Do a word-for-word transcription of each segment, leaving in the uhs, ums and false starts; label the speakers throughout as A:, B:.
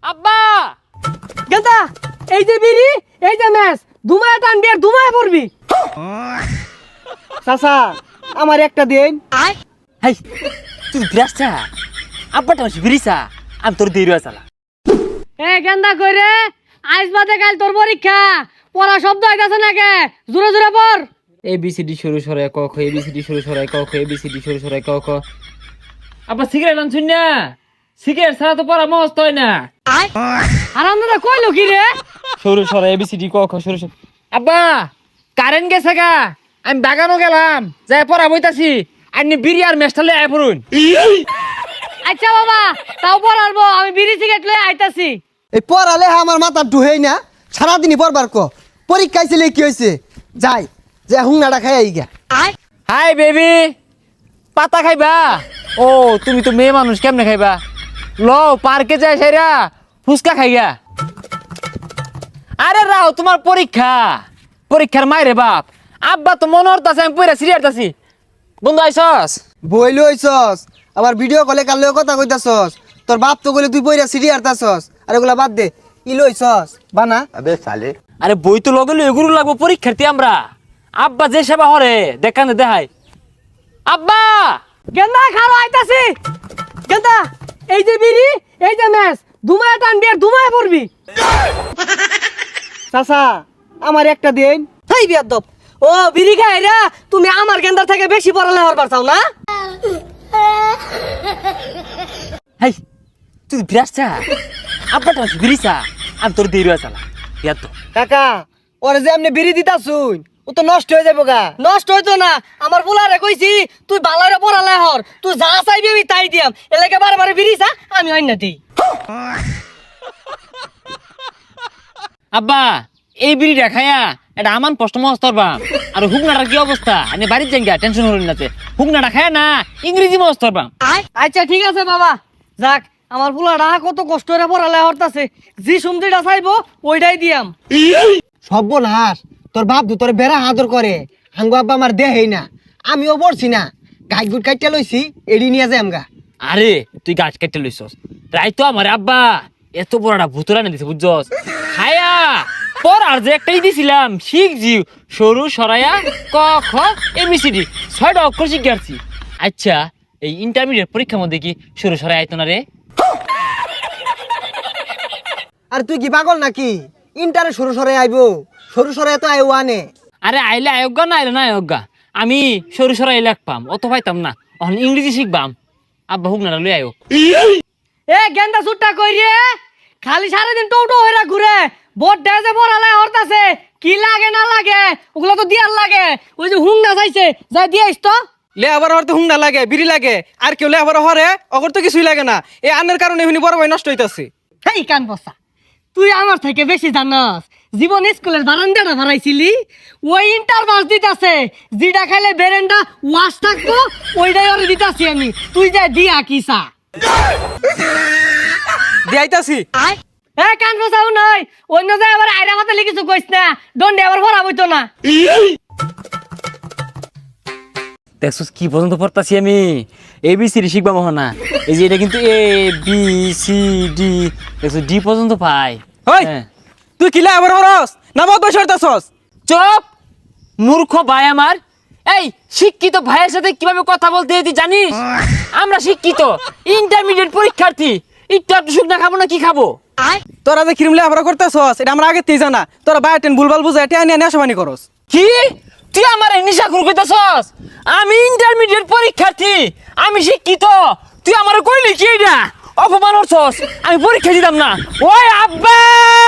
A: আব্বা
B: গেন্দা এই যে বিড়ি এই যে ম্যাচ দুমায় টানবি আর দুমায় পড়বি।
C: চাচা আমার একটা দিন।
A: হাই তুই বিরাসা আব্বাটা মাসি বিরিসা আমি তোর দেরি চালা।
B: এ গেন্দা কইরে আইস বাদে কাল তোর পরীক্ষা পড়া শব্দ হইতাছে নাকি জোরে জোরে পড়।
A: এ বি সি ডি শুরু সরাই ক খ এ বি সি ডি শুরু সরাই ক খ এ বি সি ডি শুরু সরাই ক খ। আব্বা সিগারেট আনছুন না? সিগারেট ছাড়া তো পড়া মস্ত হয় না।
B: আরামদাদা কইলো কি রে?
A: শুরু সরাই এ বি সি ডি ক খ শুরু সরাই। আব্বা কারেন্ট গেছে গা, আমি বাগানও গেলাম যাই পড়া বইতাছি। আপনি বিড়ি আর মেস্টালে আয় পড়ুন।
B: আচ্ছা বাবা তাও পড়াবো, আমি বিড়ি সিগারেট লয়ে আইতাছি।
C: এই পড়ালে আমার মাথা ঢুহেই না, সারাদিনই পড়বার ক পরীক্ষা ছিল কি হয়েছে যাই যে হুংনাটা খাই আই গা।
A: হাই বেবি পাতা খাইবা? ও তুমি তো মেয়ে মানুষ, কেমনে খাইবা? ল পার্কে যাই সাইরা ফুচকা খাইগা। আরে রাও তোমার পরীক্ষা, পরীক্ষার মাইরে বাপ। আব্বা তো মনে হতাছে আমি পড়া সিরিয়াসতাছি। বন্ধু আইসস?
C: বই লইছস আবার ভিডিও কলে কাল কথা কইতাছস, তোর বাপ তো কইলে তুই পইরা সিডি আরতাছস। আর এগুলা বাদ দে, ই লইছস বানা।
D: अबे साले
A: আরে বই তো লগে লই এগুলো লাগবো পরীক্ষার্থী আমরা। আব্বা যে সেবা হরে দেখান দেখাই। আব্বা
B: গেন্দা খালো আইতাছি। গেন্দা এই যে বিড়ি এই যে ম্যাচ দুমায় টানবি আর দুমায় পড়বি।
C: চাচা আমার একটা দিন।
B: হেই বিয়াদব, ও বিড়ি খাইরা তুমি আমার গেন্দার থেকে বেশি পড়ালে হরবার চাও না?
A: হাই তুই বিরাসা আব্বাটা মাসি বিরিসা আমি তোর দেরি চালা। ইয়ার তো
C: কাকা ওরে যে আপনি বিড়ি দিতাছুন ও তো নষ্ট হয়ে যাবো গা।
B: নষ্ট হইতো না, আমার বুলারে কইছি তুই বালারে পড়ালে হর, তুই যা চাইবি আমি তাই দিয়াম। এলাকে বারে বারে বিড়িছা আমি অন্য দিই।
A: আব্বা এই বিড়িটা খায়া এটা আমান প্রশ্ন মহস্তর বাম। আর হুকনাটার কি অবস্থা? আমি বাড়ির যাই টেনশন হলেন না। হুকনাটা খায় না ইংরেজি মহস্তর বাম।
B: আচ্ছা ঠিক আছে বাবা, যাক আমার বুলারা কত কষ্ট করে পড়ালে হরতাছে, যে সুমদিটা চাইবো ওইটাই দিয়াম।
C: সর্বনাশ, তোর বাপ তো তোর বেড়া আদর করে, হাঙ্গু আব্বা আমার দেহেই না। আমিও পড়ছি না, গাই গুট কাইটা লইছি এড়ি নিয়ে যাই আমগা।
A: আরে তুই গাছ কেটে লইছস তাই তো আমার আব্বা এত বড়টা ভুতুরা না দিছে বুঝছস। খায়া পর আর যে একটাই দিছিলাম শিখ জিও সরু সরাইয়া ক খ এবিসিডি ছয়টা অক্ষর শিখাচ্ছি। আচ্ছা এই ইন্টারমিডিয়েট পরীক্ষার মধ্যে কি সরু সরাই আইতো না রে?
C: আর তুই কি পাগল নাকি? ইন্টারে সরু সরে আইবো, সরু সরে তো আইও আনে।
A: আরে আইলে আয়োগা না আইলে না আয়োগা, আমি সরু সরাই লাগপাম অত পাইতাম না। এখন ইংরেজি শিখবাম, আব্বা হুক না লই আয়ো।
B: এ গেন্দা সুট্টা কই রে, খালি সারাদিন টোটো হইরা ঘুরে বোট ডেজে পড়ালে হরতাছে। কি লাগে না লাগে ওগুলো তো দিয়ার লাগে। ওই যে হুং না চাইছে যাই দিয়াইস তো।
E: লে আবার হরতে হুংনা লাগে, বিড়ি লাগে, আর কেউ লে আবার হরে অগর তো কিছুই লাগে না। এই আনের কারণে এমনি বড় ভাই নষ্ট হইতাছে।
B: হেই কান বসা, তুই আমার থেকে বেশি জানাস। জীবন স্কুলের বারান্দাটা বানাইছিলি, ওই ইন্টার বাস দিতাছে। যেটা খাইলে বেরেন্ডা ওয়াশ থাকবো ওইটাই ওরে দিতাছি আমি। তুই যা দিয়া কিসা
E: দিয়াইতাছি।
B: এ কান বসাও নয়, অন্য জায়গায় আবার আইরা মাথা লিখিস কইস না, দণ্ডে আবার ভরা বইতো না।
A: দেখছস কি পর্যন্ত পড়তাছি আমি? এ বি সি ডি শিখবা মহনা। এই যে এটা কিন্তু এ বি সি ডি দেখছো ডি পর্যন্ত পাই।
E: ওই
A: হ্যাঁ।
E: তুই কিলা আবার হরস না বহুত বয়স হইতাছস?
A: চুপ মূর্খ ভাই আমার। এই শিক্ষিত ভাইয়ের সাথে কিভাবে কথা বলতে হয় তুই জানিস? আমরা শিক্ষিত ইন্টারমিডিয়েট পরীক্ষার্থী, একটু একটু শুকনা খাবো না কি খাবো?
E: তোরা যে কিরম লে আবার করতেছস এটা আমরা আগে তেই জানা। তোরা বায়োটেন ভুলভাল বুঝাই টেয়া নিয়ে নেশাবানি করস।
A: কি তুই আমার নিশা খুর কইতাছস? আমি ইন্টারমিডিয়েট পরীক্ষার্থী, আমি শিক্ষিত, তুই আমার কইলি কি এটা? অপমান করছস, আমি পরীক্ষা দিতাম না। ওই আব্বা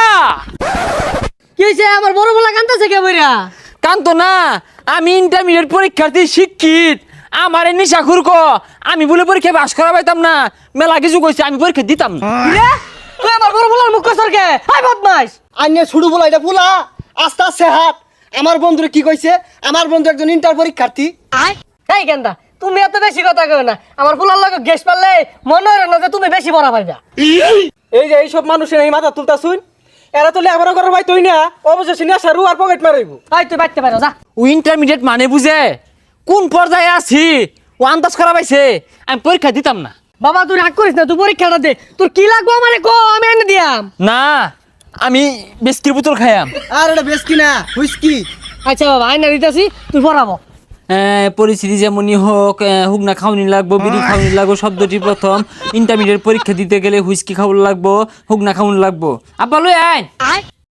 B: কি হইছে? আমার বড় বলা কান্দাছে কে বইরা?
A: কান্ত না, আমি ইন্টারমিডিয়েট পরীক্ষার্থী শিক্ষিত, আমার নিশা খুর ক আমি বলে পরীক্ষা পাস করা পাইতাম না। মেলা কিছু কইছে আমি পরীক্ষা দিতাম না।
B: কি রে? তুই আমার বড় বলার মুখ কসর কে? হাই বদমাইশ।
C: আইনে ছুড়ু বলা এটা ফুলা আস্তে আস্তে হাত। আমার বন্ধুরে কি কইছে? আমার বন্ধু একজন ইন্টার পরীক্ষার্থী।
B: এই গেন্দা তুমি এত বেশি কথা কও না। আমার ফুলার লগে গেস পারলে মনে হয় না যে তুমি বেশি বড় পাইবা।
E: এই যে এইসব মানুষের এই মাথা তুলতাছুন, এরা তো লে আবার করে ভাই তুই না অবশেষে নেশা রু আর পকেট মারাইবো।
B: এই তুই বাইতে পারো যা।
A: ও ইন্টারমিডিয়েট মানে বুঝে কোন পর্যায়ে আছি ও আন্দাজ করা পাইছে। আমি পরীক্ষা দিতাম না।
B: বাবা তুই রাগ করিস না, তুই পরীক্ষাটা দে। তোর কি লাগবো আমারে কো, আমি এনে দিয়াম। খাইতাম।
A: না আমি বিস্কির বোতল খাইয়াম।
C: আর এটা বেশ কিনা হুইস্কি।
B: আচ্ছা বাবা আইনা দিতেছি তুই পড়াবো।
A: আহ, পরিস্থিতি যেমনই হোক, আহ, হুগনা খাওয়ানি লাগবো, বিড়ি খাওয়ানি লাগবো, শব্দটি প্রথম। ইন্টারমিডিয়েট পরীক্ষা দিতে গেলে হুইস্কি খাওয়ানো লাগবো, হুগনা খাওয়ানো লাগবো। আব্বা লই আয়।